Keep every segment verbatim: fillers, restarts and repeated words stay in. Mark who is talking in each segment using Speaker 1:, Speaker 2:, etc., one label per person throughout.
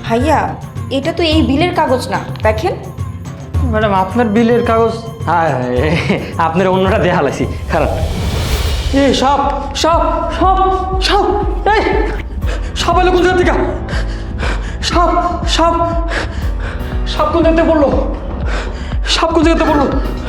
Speaker 1: ভাইয়া এটা তো এই বিলের কাগজ না, দেখেন।
Speaker 2: ম্যাডাম আপনার বিলের কাগজ? হ্যাঁ, আপনার অন্যটা দেয়া হালাইছি, খারাপ। এ সব সব সব সব এই সব এলো কোন জায়গা থেকে? সব সব সব কোন জায়গাতে পড়লো? সব কোন জায়গাতে পড়লো?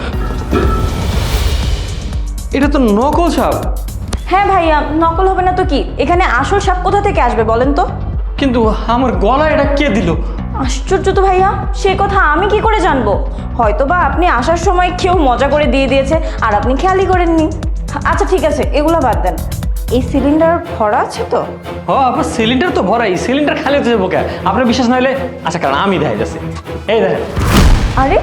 Speaker 2: এটা তো নকল সাপ।
Speaker 1: হ্যাঁ ভাইয়া, নকল হবে না তো কি, এখানে আসল সাপ কোথা থেকে আসবে বলেন তো?
Speaker 2: কিন্তু আমার গলায় এটা কে দিল?
Speaker 1: আশ্চর্য তো ভাইয়া, সে কথা আমি কি করে জানবো? হয়তো বা আপনি আসার সময় কেউ মজা করে দিয়ে দিয়েছে আর আপনি খেয়ালই করেননি। আচ্ছা ঠিক আছে, এগুলো বাদ দেন। এই সিলিন্ডার ভরা আছে তো?
Speaker 2: ও আপনার সিলিন্ডার তো ভরাই, সিলিন্ডার খালি হতে যাবো কে? আপনার বিশ্বাস না হলে আচ্ছা কারণ আমি দেখাই যাচ্ছি, এই দেখেন।
Speaker 1: আরে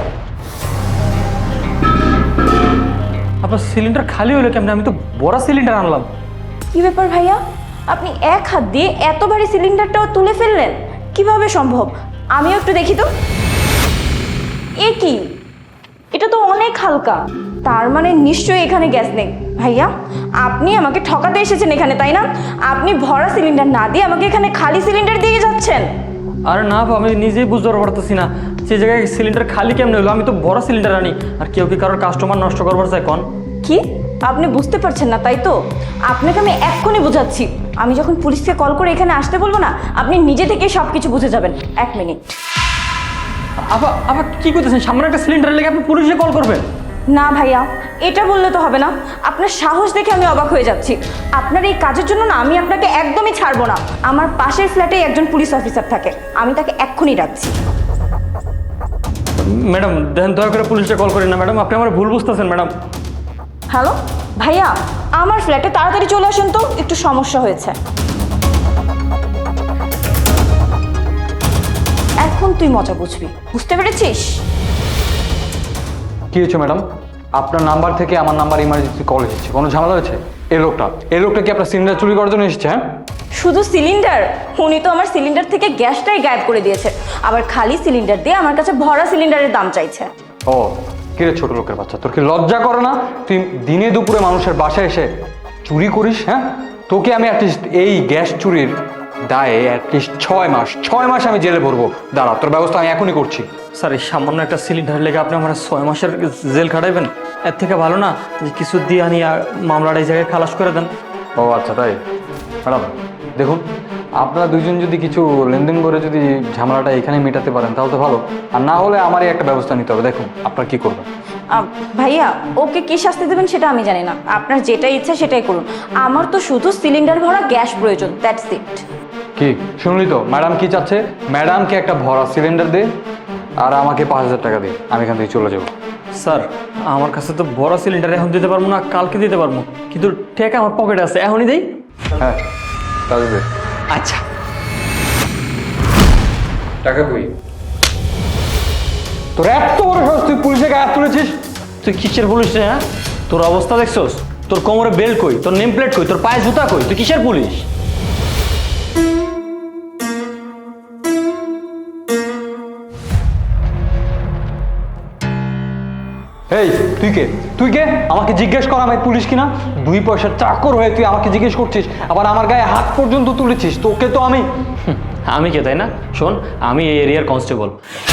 Speaker 2: আপনার সিলিন্ডার খালি হলো কেমন? আমি তো বড় সিলিন্ডার আনলাম।
Speaker 1: কি ব্যাপার ভাইয়া, আপনি এক হাত দিয়ে এত ভারী সিলিন্ডারটাও তুলে ফেললেন, কিভাবে সম্ভব? আমিও একটু দেখি তো। এ কি, এটা তো অনেক হালকা, তার মানে নিশ্চয়ই এখানে গ্যাস নেই। ভাইয়া আপনি আমাকে ঠকাতে এসেছেন এখানে, তাই না? আপনি ভরা সিলিন্ডার না দিয়ে আমাকে এখানে খালি সিলিন্ডার দিয়ে যাচ্ছেন।
Speaker 2: আরে না, আমি নিজেই বুঝতে পারতেছি না সেই জায়গায় সিলিন্ডার খালি কেমন হলো। আমি তো বড় সিলিন্ডার আনি, আর কেউ কি কারোর কাস্টমার নষ্ট করবার চায় কোন?
Speaker 1: কি আপনি বুঝতে পারছেন না, তাই তো? আপনাকে আমি এক্ষুনি বোঝাচ্ছি। আমি যখন পুলিশকে কল করে এখানে আসতে বলবো না, আপনি নিজে থেকেই সব কিছু বুঝে যাবেন। এক মিনিট।
Speaker 2: আবার আবার কি করতেছেন? সামনে একটা সিলিন্ডার লেগে আপনি পুলিশে কল করবেন?
Speaker 1: না ভাইয়া, এটা বললে তো হবে না। আপনার সাহস দেখে আমি অবাক হয়ে যাচ্ছি। আপনার এই কাজের জন্য না আমি আপনাকে একদমই ছাড়বো না। আমার পাশের ফ্ল্যাটে একজন পুলিশ অফিসার থাকে, আমি তাকে এক্ষুনি ডাকছি।
Speaker 2: ম্যাডাম দেন, দয়া করে পুলিশে কল করেন না ম্যাডাম, আপনি আমার ভুল বুঝতেছেন ম্যাডাম।
Speaker 1: হ্যালো ভাইয়া, আমার ফ্ল্যাটে তাড়াতাড়ি চলে আসেন তো, একটু সমস্যা হয়েছে। এখন তুই মজা বুঝবি, বুঝতে পেরেছিস?
Speaker 3: কি হয়েছে ম্যাডাম? আপনার নাম্বার থেকে আমার নাম্বার ইমার্জেন্সি কল এসেছে, কোনো ঝামেলা হয়েছে? এই লোকটা এই লোকটা কি আপনার সিলিন্ডার চুরি করার জন্য এসেছে? হ্যাঁ,
Speaker 1: শুধু সিলিন্ডার? উনি তো আমার সিলিন্ডার থেকে গ্যাসটাই গায়েব করে দিয়েছে, আবার খালি সিলিন্ডার দিয়ে আমার কাছে ভরা সিলিন্ডারের দাম চাইছে।
Speaker 3: ও কিরে ছোট লোকের বাচ্চা, তোর কি লজ্জা করে না? তুই দিনে দুপুরে মানুষের বাসায় এসে চুরি করিস? হ্যাঁ, তোকে আমি অ্যাটলিস্ট এই গ্যাস চুরির দায়ে অ্যাটলিস্ট ছয় মাস ছয় মাস আমি জেলে ভরবো। দাঁড়া, তোর ব্যবস্থা আমি এখনই করছি।
Speaker 2: স্যার এই সামান্য একটা সিলিন্ডার লেগে আপনি আমার ছয় মাসের জেল খাটাইবেন? এর থেকে ভালো না যে কিছু দিয়ে আনি আর মামলাটা এই জায়গায় খালাস করে দেন।
Speaker 3: ও আচ্ছা তাই। ম্যাডাম দেখুন, আপনারা দুইজন যদি কিছু লেনদেন করে যদি ঝামেলাটা এখানে মেটাতে পারেন তাহলে তো ভালো, আর না হলে আমারই একটা ব্যবস্থা নিতে হবে। দেখুন আপনার কি করবেন।
Speaker 1: আহ, ভাইয়া ওকে কি শাস্তি দেবেন সেটা আমি জানি না, আপনার যেটা ইচ্ছা সেটাই করুন। আমার তো শুধু সিলিন্ডার ভরা গ্যাস প্রয়োজন, দ্যাটস ইট।
Speaker 3: কি শুনলি তো, ম্যাডাম কি চাচ্ছে? ম্যাডামকে একটা ভরা সিলিন্ডার দে আর আমাকে পাঁচ হাজার টাকা দে, আমি এখান থেকে চলে যাবো।
Speaker 2: স্যার আমার কাছে তো বড় সিলিন্ডার এখন দিতে পারবো না, কালকে দিতে পারবো, কিন্তু টাকা আমার পকেটে আছে, এখনই দেই।
Speaker 3: হ্যাঁ তাহলে দে।
Speaker 2: আচ্ছা
Speaker 3: টাকা কই? তোর এত বড় সাহস, তুই পুলিশের গায়ে হাত তুলেছিস?
Speaker 2: তুই কিসের পুলিশ রে? হ্যাঁ, তোর অবস্থা দেখছোস? তোর কোমরে বেল্ট কই, তোর নেম প্লেট কই, তোর পায়ে জুতা কই? তুই কিসের পুলিশ?
Speaker 3: এই তুই কে? তুই কে? আমাকে জিজ্ঞেস কর আমি পুলিশ কিনা? দুই পয়সার চাকর হয়ে তুই আমাকে জিজ্ঞেস করছিস, আবার আমার গায়ে হাত পর্যন্ত তুলেছিস। তোকে তো আমি
Speaker 2: হুম, আমি কে তাই না? শোন, আমি এই এরিয়ার কনস্টেবল,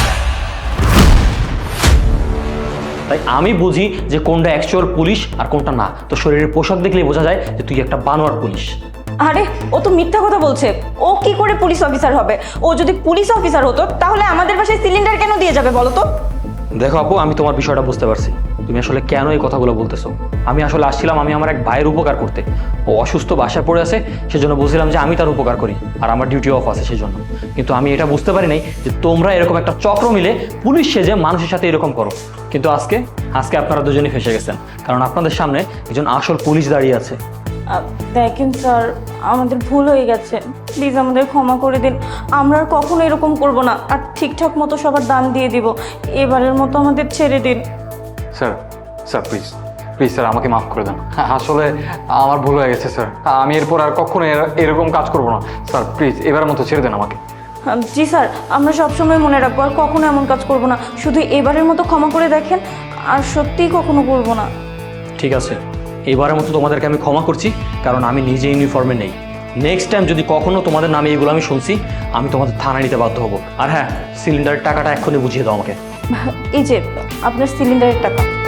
Speaker 2: তাই আমি বুঝি যে কোনটা অ্যাকচুয়াল পুলিশ আর কোনটা না। তো শরীরের পোশাক দেখলেই বোঝা যায় যে তুই একটা বানোয়ার পুলিশ।
Speaker 1: আরে ও তো মিথ্যা কথা বলছে, ও কি করে পুলিশ অফিসার হবে? ও যদি পুলিশ অফিসার হতো তাহলে আমাদের বাসায় সিলিন্ডার কেন দিয়ে যাবে বলো তো?
Speaker 2: দেখো আপু, আমি তোমার বিষয়টা বুঝতে পারছি, তুমি আসলে কেন এই কথাগুলো বলতেছো। আমি আসলে আসছিলাম আমি আমার এক ভাইয়ের উপকার করতে, ও অসুস্থ বাসায় পড়ে আছে, সেজন্য বুঝছিলাম যে আমি তার উপকার করি আর আমার ডিউটি অফ আছে সেজন্য। কিন্তু আমি এটা বুঝতে পারি নাই যে তোমরা এরকম একটা চক্র মিলে পুলিশ সেজে মানুষের সাথে এরকম করো। কিন্তু আজকে আজকে আপনারা দুজনেই ফেসে গেছেন, কারণ আপনাদের সামনে একজন আসল পুলিশ দাঁড়িয়ে আছে।
Speaker 1: আহ, দেখেন স্যার, আমাদের ভুল হয়ে গেছে, প্লিজ আমাদের ক্ষমা করে দিন। আমরা আর কখনো এরকম করব না, আর ঠিকঠাক মতো সবার দাম দিয়ে দিব। এবারের মতো আমাদের ছেড়ে দিন।
Speaker 3: Sir sir please please sir আমাকে মাফ করে দেন। আসলে আমার ভুল হয়ে গেছে স্যার, আমি এরপর আর কখনো এর- এরকম কাজ করবো না। স্যার প্লিজ এবারের মতো ছেড়ে দেন আমাকে।
Speaker 1: আহ, জি স্যার, আমরা সবসময় মনে রাখবো আর কখনো এমন কাজ করব না। শুধু এবারের মতো ক্ষমা করে দেখেন, আর সত্যিই কখনো করব না।
Speaker 2: ঠিক আছে, এবারের মতো তোমাদেরকে আমি ক্ষমা করছি, কারণ আমি নিজে ইউনিফর্মে নেই। নেক্সট টাইম যদি কখনো তোমাদের নামে এইগুলো আমি শুনছি, আমি তোমাদের থানায় নিতে বাধ্য হবো। আর হ্যাঁ, সিলিন্ডারের টাকাটা এক্ষুনি বুঝিয়ে দাও আমাকে।
Speaker 1: এই যে আপনার সিলিন্ডারের টাকা।